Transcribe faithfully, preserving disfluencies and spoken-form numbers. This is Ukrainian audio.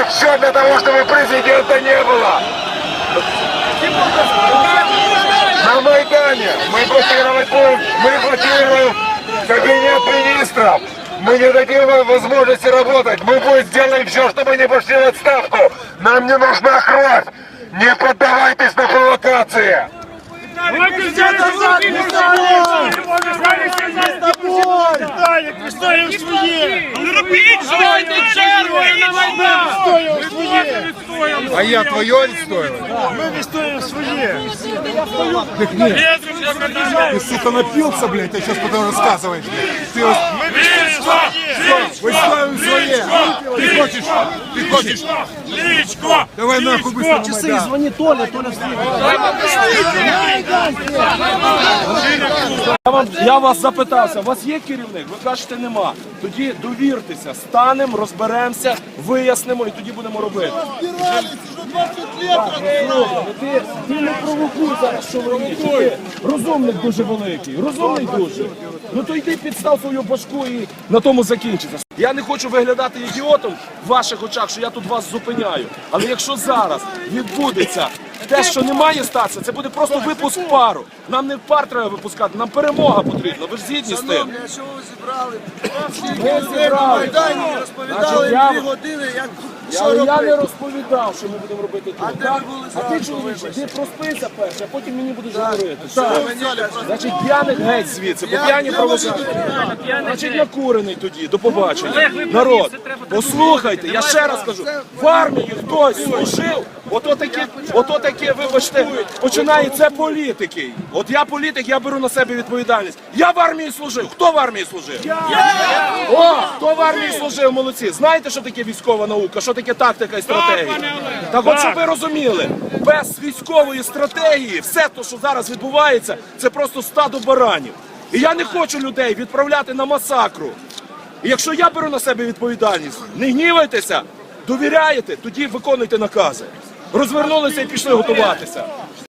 все для того, чтобы президента не было. На Майдане мы блокировать будем, мы блокируем кабинет министров. Мы не дадим вам возможности работать. Мы будем сделаем все, чтобы не пошли в отставку. Нам не нужна кровь. Не поддавайтесь на провокации. А я твое відстоюваю? Ми відстоюємо своє. Так нет. Ты, сука, напился, блядь, ты сейчас потом рассказываешь, блядь. Ты вот... Мы ставим свои. Ты хочешь? Ты хочешь? Личко! Давай нахуй быстро на Часы, Майдан. звони Толя, Толя встиг. Я, вам, я вас запитався, у вас є керівник? Ви кажете, нема. Тоді довіртеся, станемо, розберемося, вияснимо і тоді будемо робити. Слухай, ти, ти не провокуй зараз, що ви робите. Ти розумник дуже великий, розумний дуже. Ну то йди підстав свою башку і на тому закінчиться. Я не хочу виглядати ідіотом в ваших очах, що я тут вас зупиняю. Але якщо зараз відбудеться те, що не має статися, це буде просто випуск пару. Нам не пар треба випускати, нам перемога потрібна. Ви ж згідні з тим? Шановні, а що ви зібрали? Ми зібрали. Майдані розповідали Значить, я- дві години, як Я, що я не робити. розповідав, що ми будемо робити тут. А де так? ви були а ти, зранку, чоловіче, вибачте? ти проспися перше, а потім мені будеш говорити. Що Так. ви мені кажете? Значить, п'яних геть звідси, бо п'яні провокації. Значить, накурений тоді, до побачення. Народ, послухайте, я ще раз кажу, в армії хтось служив, ото таке, ото таке, вибачте, починає, це політики. От я політик, я беру на себе відповідальність. Я в армії служив. Хто в армії служив? О, хто в армії служив, молодці. Знаєте, що таке військова наука, що таке тактика і стратегія? Так от, щоб ви розуміли, без військової стратегії все те, що зараз відбувається, це просто стадо баранів. І я не хочу людей відправляти на масакру. І якщо я беру на себе відповідальність, не гнівайтеся, довіряєте, тоді виконуйте накази. Розвернулися і пішли готуватися.